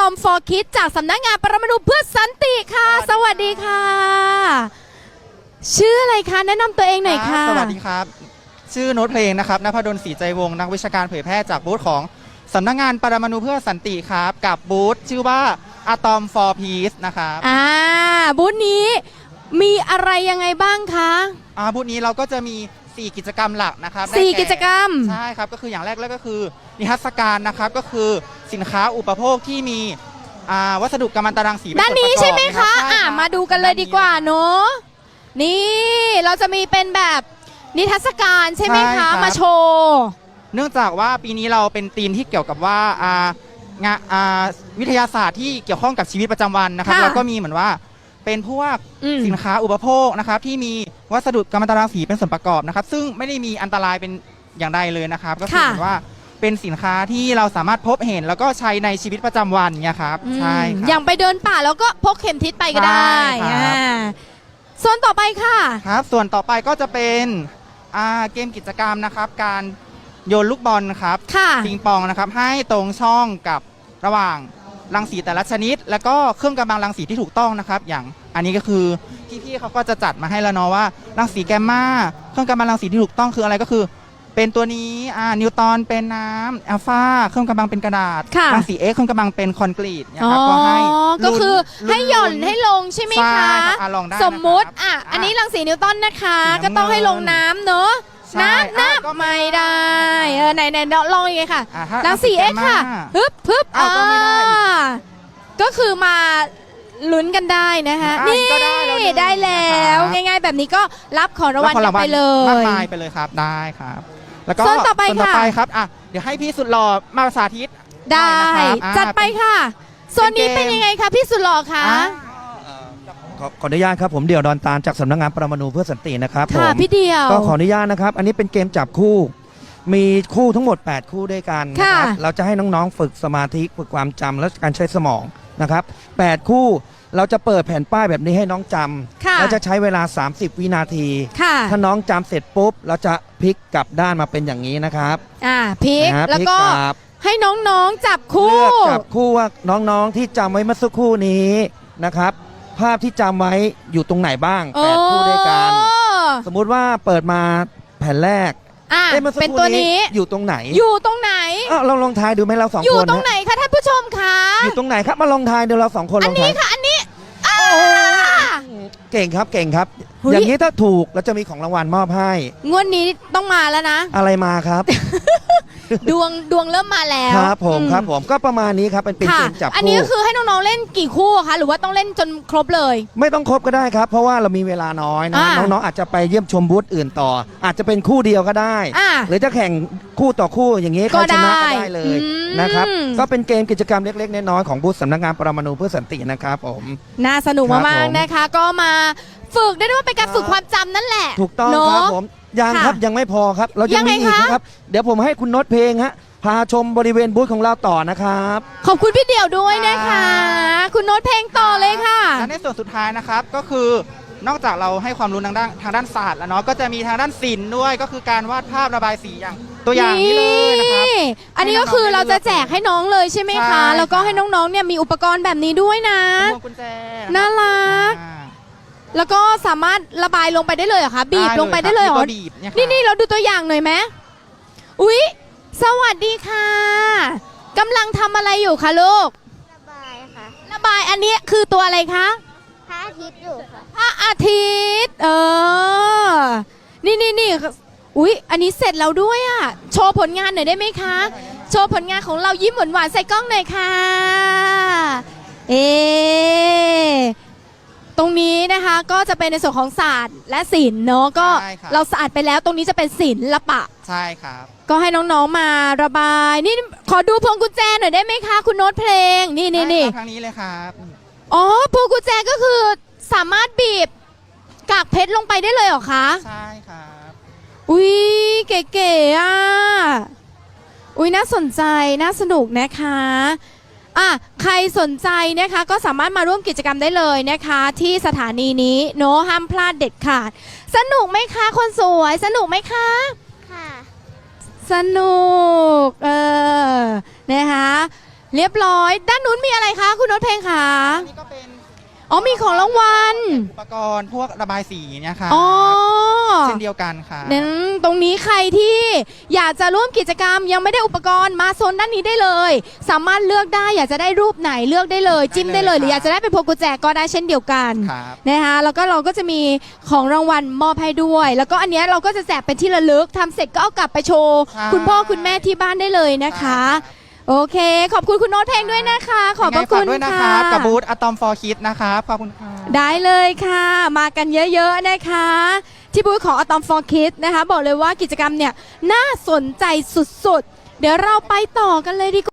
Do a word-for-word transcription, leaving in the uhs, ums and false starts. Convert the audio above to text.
ม for Kids จากสำนักงานปรมาณูเพื่อสันติค่ะสวัสดีค่ะชื่ออะไรคะแนะนำตัวเองหน่อยค่ะสวัสดีครับชื่อโน้ตเพลงนะครับณภดลศรีใจวงศ์นักวิชาการเผยแพร่จากบูธของสำนักงานปรมาณูเพื่อสันติครับกับบูธชื่อว่า Atom for Peace นะครับอ่าบูธนี้มีอะไรยังไงบ้างคะอ่าบูธนี้เราก็จะมีสี่กิจกรรมหลักนะครับสี่กิจกรรมใช่ครับก็คืออย่างแรกแล้วก็คือนิทรรศการนะครับก็คือสินค้าอุปโภคที่มีวัสดุกัมมันตรังสีด้านนี้ใช่ไหมคะอ่ามาดูกันเลยดีกว่าเนาะนี่เราจะมีเป็นแบบนิทรรศการใช่ไหมคะมาโชว์เนื่องจากว่าปีนี้เราเป็นธีมที่เกี่ยวกับว่างานวิทยาศาสตร์ที่เกี่ยวข้องกับชีวิตประจำวันนะครับเราก็มีเหมือนว่าเป็นพวกสินค้าอุปโภคนะครับที่มีวัสดุกัมมันตรังสีเป็นส่วนประกอบนะครับซึ่งไม่ได้มีอันตรายเป็นอย่างใดเลยนะครับก็คือเหมือนว่าเป็นสินค้าที่เราสามารถพบเห็นแล้วก็ใช้ในชีวิตประจำวันเนี่ยครับใช่ครับอย่างไปเดินป่าแล้วก็พกเข็มทิศไปก็ได้ส่วนต่อไปค่ะครับส่วนต่อไปก็จะเป็นเกมกิจกรรมนะครับการโยนลูกบอลครับปิงปองนะครับให้ตรงช่องกับระหว่างรังสีแต่ละชนิดแล้วก็เครื่องกำบังรังสีที่ถูกต้องนะครับอย่างอันนี้ก็คือพี่ๆเขาก็จะจัดมาให้แล้วเนาะว่ารังสีแกมมาเครื่องกำบังรังสีที่ถูกต้องคืออะไรก็คือเป็นตัวนี้อ่านิวตอนเป็นน้ำอัลฟาเครื่องกำบังเป็นกระดาษรังสีเอ็กซ์เครื่องกำบังเป็นคอนกรีตนะครับก็ให้ก็คือให้หย่อนให้ลงใช่ไหมคะสมมุติอ่ะอันนี้รังสีนิวตันนะคะก็ต้องให้ลงน้ำเนาะน้ำน้ำไม่ได้เออไหนไหนลองยังไงค่ะรังสีเอ็กซ์ค่ะฮึบฮึบอ่าก็คือมาลุ้นกันได้นะคะนี่ได้แล้วง่ายๆแบบนี้ก็รับของรางวัลกันไปเลยมากมายไปเลยครับได้ครับแล้วก็ส่วนต่อไปครับอ่ะเดี๋ยวให้พี่สุดหล่อมาสาธิตได้จัดไปค่ะส่วนนี้เป็นยังไงคะพี่สุดหล่อคะขออนุญาตครับผมเดี่ยวดอนตาลจากสำนักงานปรมาณูเพื่อสันตินะครับค่ะพี่เดี่ยวก็ขออนุญาตนะครับอันนี้เป็นเกมจับคู่มีคู่ทั้งหมดแปดคู่ด้วยกันนะครับเราจะให้น้องๆฝึกสมาธิฝึกความจำและการใช้สมองนะครับแปดคู่เราจะเปิดแผ่นป้ายแบบนี้ให้น้องจำแล้วจะใช้เวลาสามสิบวินาทีถ้าน้องจำเสร็จปุ๊บเราจะพลิกกลับด้านมาเป็นอย่างนี้นะครับอ่าพลิกแล้วก็ให้น้องๆจับคู่เลือกจับคู่ว่าน้องๆที่จำไว้เมื่อสักครู่นี้นะครับภาพที่จำไว้อยู่ตรงไหนบ้างแปดคู่ด้วยกันสมมุติว่าเปิดมาแผ่นแรกเป็นตัวนี้อยู่ตรงไหนอยู่ตรงไหนเราลองทายดูไหมเราสองคนอยู่ตรงไหนคะท่านผู้ชมคะอยู่ตรงไหนครับมาลองทายดูเราสองคนอันนี้ค่ะอันนี้เก่งครับเก่งครับอย่างนี้ถ้าถูกเราจะมีของรางวัลมอบให้งวดนี้ต้องมาแล้วนะอะไรมาครับดวงดวงเริ่มมาแล้วครับผมครับผมก็ประมาณนี้ครับเป็นเป็นเกมจับคู่อันนี้ก็คือให้น้องๆเล่นกี่คู่คะหรือว่าต้องเล่นจนครบเลยไม่ต้องครบก็ได้ครับเพราะว่าเรามีเวลาน้อยนะน้องๆอาจจะไปเยี่ยมชมบูธอื่นต่ออาจจะเป็นคู่เดียวก็ได้หรือจะแข่งคู่ต่อคู่อย่างนี้ใครชนะก็ได้เลยนะครับก็เป็นเกมกิจกรรมเล็กๆน้อยๆของบูธสำนักงานปรมาณูเพื่อสันตินะครับผมน่าสนุกมากๆนะคะก็มาฝึกได้ด้วยว่าเป็นการฝึกความจำนั่นแหละถูกต้องครับผมยังครับยังไม่พอครับเรายังมีอีกนะครับเดี๋ยวผมให้คุณโน้ตเพลงฮะพาชมบริเวณบูธของเราต่อนะครับขอบคุณพี่เดี่ยวด้วยนะคะคุณโน้ตเพลงต่อเลยค่ะและในส่วนสุดท้ายนะครับก็คือนอกจากเราให้ความรู้ทางด้านทางด้านศาสตร์แล้วเนาะก็จะมีทางด้านศิลป์ด้วยก็คือการวาดภาพระบายสีอย่างตัวอย่างนี้เลยนะครับอันนี้ก็คือเราจะแจกให้น้องเลยใช่ไหมคะแล้วก็ให้น้องๆเนี่ยมีอุปกรณ์แบบนี้ด้วยนะน่ารักแล้วก็สามารถระบายลงไปได้เลยเหรอคะบีบลงไปได้เลยเหรอนี่นี่เราดูตัวอย่างหน่อยไหมอุ๊ยสวัสดีค่ะกำลังทำอะไรอยู่คะลูกระบายค่ะระบายอันนี้คือตัวอะไรคะพระอาทิตย์อยู่ค่ะพระอาทิตย์เออนี่นี่นี่อุ๊ยอันนี้เสร็จแล้วด้วยอ่ะโชว์ผลงานหน่อยได้ไหมคะโชว์ผลงานของเรายิ้มหวานๆใส่กล้องหน่อยค่ะเอตรงนี้นะคะก็จะเป็นในส่วนของศาสตร์และศิลป์เนาะก็เราศาสตร์ไปแล้วตรงนี้จะเป็นศิลปะใช่ครับก็ให้น้องๆมาระบายนี่ขอดูพวงกุญแจหน่อยได้ไหมคะคุณโน้ตเพลงนี่นี่นี่ทางนี้เลยครับอ๋อพวงกุญแจก็คือสามารถบีบกากเพชรลงไปได้เลยเหรอคะใช่ครับอุ้ยเก๋ๆอ่ะอุ้ยน่าสนใจน่าสนุกนะคะอ่ะใครสนใจนะคะก็สามารถมาร่วมกิจกรรมได้เลยนะคะที่สถานีนี้โน้ห้ามพลาดเด็ดขาดสนุกไหมคะคนสวยสนุกไหมคะค่ะสนุกเออนะคะเรียบร้อยด้านนู้นมีอะไรคะโน้ตเพลงค่ะอันนี้ก็เป็นอ๋อมีของรางวัลอุปกรณ์พวกระบายสีเนี่ยค่ะอ๋อเช่นเดียวกันค่ะนั้นตรงนี้ใครที่อยากจะร่วมกิจกรรมยังไม่ได้อุปกรณ์มาโซนด้านนี้ได้เลย สามารถเลือกได้อยากจะได้รูปไหนเลือกได้เลย จิ้มได้เลยหรืออยากจะได้เป็นพวงกุญแจก็ได้เช่นเดียวกันครับนะคะแล้วก็เราก็จะมีของรางวัลมอบให้ด้วย แล้วก็อันเนี้ยเราก็จะแจกเป็นที่ระลึกทำเสร็จก็เอากลับไปโชว์ใช่คุณพ่อคุณแม่ที่บ้านได้เลยนะคะ โอเค ขอบคุณคุณโน้ตเพลงด้วยนะคะ ขอบพระยังไงคุฝากณด้วยนะคค่ะรับกับบูธอะตอมฟอร์คิดนะครับขอบคุณค่ะได้เลยค่ะ มากันเยอะๆนะคะ ที่บูธของ Atom for Kids นะคะ บอกเลยว่ากิจกรรมเนี่ยน่าสนใจสุดๆ เดี๋ยวเราไปต่อกันเลยดีกว่า